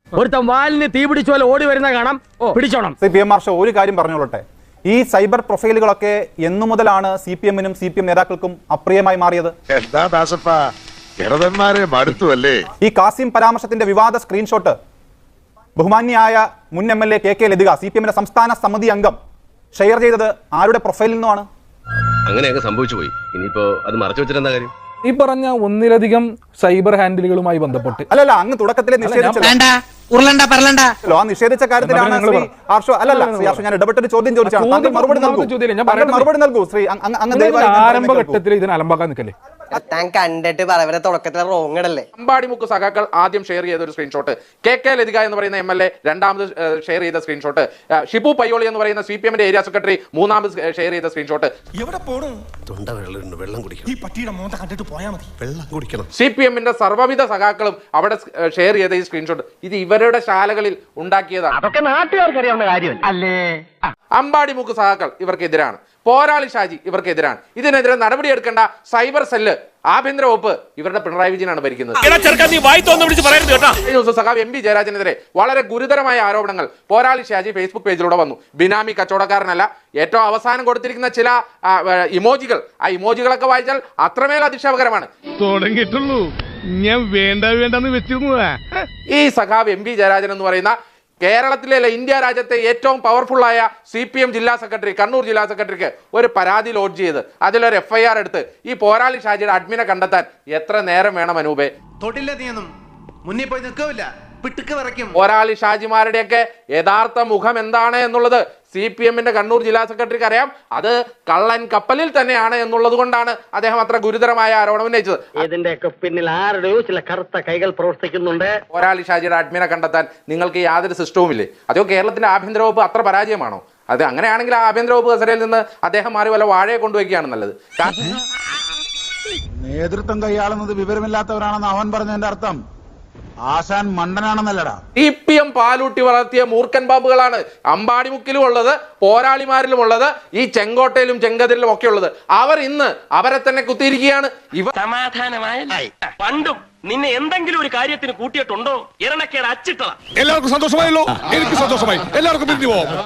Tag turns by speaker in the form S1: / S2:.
S1: ഒരുത്തം വാലിന് തീ പിടിച്ച പോലെ ഓടി വരുന്ന കാണാം, പിടിച്ചോണം.
S2: PM മാർഷ ഒരു കാര്യം പറഞ്ഞോളട്ടെ, ഈ സൈബർ പ്രൊഫൈലുകളൊക്കെ എന്നു മുതലാണ് CPM-നും CPM നേതാക്കൾക്കും അപ്രിയമായി മാറിയത്?
S3: എന്താ ദാസപ്പ കിടതന്മാരെ മടുത്തുവല്ലേ?
S2: ഈ കാസിം പരാമർശത്തിന്റെ വിവാദ സ്ക്രീൻഷോട്ട് ബഹുമാന്യായ മുൻ MLA KK ലതിക, CPM-ന്റെ സംസ്ഥാന സമിതി അംഗം, ഷെയർ ചെയ്തത് ആരുടെ പ്രൊഫൈലിൽ നിന്നുമാണ്?
S4: അങ്ങനെയൊക്കെ സംഭവിച്ചു പോയി. ഇനിയിപ്പോ അത് മറച്ചു വെച്ചിട്ടെന്താ കാര്യം?
S5: ഈ പറഞ്ഞ ഒന്നിലധികം സൈബർ ഹാൻഡിലുകളുമായി ബന്ധപ്പെട്ട്
S2: അല്ലല്ല, അങ്ങ് തുടക്കത്തിലെ നിഷേധിച്ച കാര്യത്തിലാണ് ശ്രീ ഹർഷോ. അല്ലല്ല ശ്രീ ഹർഷോ, ഞാൻ ഇടപെട്ടൊരു ചോദ്യം ചോദിച്ചാണ്, താങ്കൾ മറുപടി നൽകൂ ശ്രീ.
S5: ആരംഭഘട്ടത്തിൽ ഇതിനെ അലമ്പാക്കാൻ നിൽക്കല്ലേ?
S6: താൻ കണ്ടിട്ട് പറവരെ തുടക്കത്തിലെ റോങ് ഇടല്ലേ?
S7: അമ്പാടിമുക്ക് സഖാക്കൾ ആദ്യം ഷെയർ ചെയ്ത ഒരു സ്ക്രീൻഷോട്ട്, KK ലതിക എന്ന് പറയുന്ന MLA രണ്ടാമത് ഷെയർ ചെയ്ത സ്ക്രീൻഷോട്ട്, ഷിബു പയ്യോളി എന്ന് പറയുന്ന CPM-ന്റെ ഏരിയ സെക്രട്ടറി മൂന്നാമത് ഷെയർ ചെയ്ത സ്ക്രീൻഷോട്ട്, CPM-ന്റെ സർവ്വവിധ സഖാക്കളും അവിടെ ഷെയർ ചെയ്ത ഈ സ്ക്രീൻഷോട്ട്, ഇത് ഇവരുടെ ശാലകളിൽ ഉണ്ടാക്കിയതാണ്.
S1: അതൊക്കെ നാട്ടുകാർക്ക് അറിയാവുന്ന കാര്യമല്ല അല്ലേ?
S7: അമ്പാടിമുക്ക് സഖാക്കൾ ഇവർക്കെതിരാണ്, പോരാളി ഷാജി ഇവർക്കെതിരാണ്. ഇതിനെതിരെ നടപടിയെടുക്കേണ്ട സൈബർ സെല്ല്, ആഭ്യന്തര വകുപ്പ് ഇവരുടെ പിണറായി വിജയനാണ് ഭരിക്കുന്നത്. സഖാവ് MB ജയരാജനെതിരെ വളരെ ഗുരുതരമായ ആരോപണങ്ങൾ പോരാളി ഷാജി ഫേസ്ബുക്ക് പേജിലൂടെ വന്നു. ബിനാമി കച്ചവടക്കാരനല്ല. ഏറ്റവും അവസാനം കൊടുത്തിരിക്കുന്ന ചില ഇമോജികൾ, ആ ഇമോജികളൊക്കെ വായിച്ചാൽ അത്രമേൽ അതിശയകരമാണ്.
S8: തുടങ്ങിയിട്ടുള്ളൂ, ഞാൻ വേണ്ടെന്ന് വെച്ചിരുന്നു.
S7: ഈ സഖാവ് MB ജയരാജൻ എന്ന് പറയുന്ന കേരളത്തിലെ ഇന്ത്യ രാജ്യത്തെ ഏറ്റവും പവർഫുള്ളായ CPM ജില്ലാ സെക്രട്ടറി, കണ്ണൂർ ജില്ലാ സെക്രട്ടറിക്ക് ഒരു പരാതി ലോഡ്ജ് ചെയ്ത് അതിലൊരു FIR എടുത്ത് ഈ പോരാളി ഷാജിയുടെ അഡ്മിനെ കണ്ടെത്താൻ എത്ര നേരം വേണം അനൂപേ?
S9: മുന്നിൽ പോയി നിൽക്കില്ല, പിട്ടുക്ക് വിറയ്ക്കും.
S7: പോരാളി ഷാജിമാരുടെയൊക്കെ യഥാർത്ഥ മുഖം എന്താണ് എന്നുള്ളത് CPM-ന്റെ കണ്ണൂർ ജില്ലാ സെക്രട്ടറിക്ക് അറിയാം. അത് കള്ളൻ കപ്പലിൽ തന്നെയാണ് എന്നുള്ളത് കൊണ്ടാണ് അദ്ദേഹം അത്ര ഗുരുതരമായ ആരോപണം ഉന്നയിച്ചത്.
S1: ഇതിന്റെയൊക്കെ പിന്നിൽ ആരുടെയോ ചില കറുത്ത കൈകൾ പ്രവർത്തിക്കുന്നുണ്ട്.
S7: പോരാളി ഷാജിയുടെ അഡ്മിനെ കണ്ടെത്താൻ നിങ്ങൾക്ക് യാതൊരു സിസ്റ്റവും ഇല്ലേ? അതോ കേരളത്തിന്റെ ആഭ്യന്തര വകുപ്പ് അത്ര പരാജയമാണോ? അത് അങ്ങനെയാണെങ്കിൽ ആ ആഭ്യന്തര വകുപ്പ് കസേരയിൽ നിന്ന് അദ്ദേഹം മാറി വല്ല വാഴയെ കൊണ്ടുവയ്ക്കുകയാണ് നല്ലത്.
S10: നേതൃത്വം കൈയാളുന്നത് വിവരമില്ലാത്തവരാണെന്ന് അവൻ പറഞ്ഞതിന്റെ അർത്ഥം ആശാൻ മണ്ടനാണെന്നല്ലടാ.
S7: CPM പാലൂട്ടി വളർത്തിയ മൂർഖൻ പാമ്പുകളാണ് അമ്പാടിമുക്കിലും ഉള്ളത്, പോരാളിമാരിലും ഉള്ളത്, ഈ ചെങ്കോട്ടയിലും ചെങ്കതിരിലും ഒക്കെ ഉള്ളത്. അവർ ഇന്ന് അവരെ തന്നെ കുത്തിയിരിക്കുകയാണ്.
S1: സമാധാനമായ പണ്ടും നിന്നെ എന്തെങ്കിലും ഒരു കാര്യത്തിന് കൂട്ടിയിട്ടുണ്ടോ? ഇരണക്കേട് അച്ചിട്ടതാ.
S8: എല്ലാവർക്കും സന്തോഷമായല്ലോ? എനിക്ക് സന്തോഷമായി. എല്ലാവർക്കും പിരിഞ്ഞു പോവാം.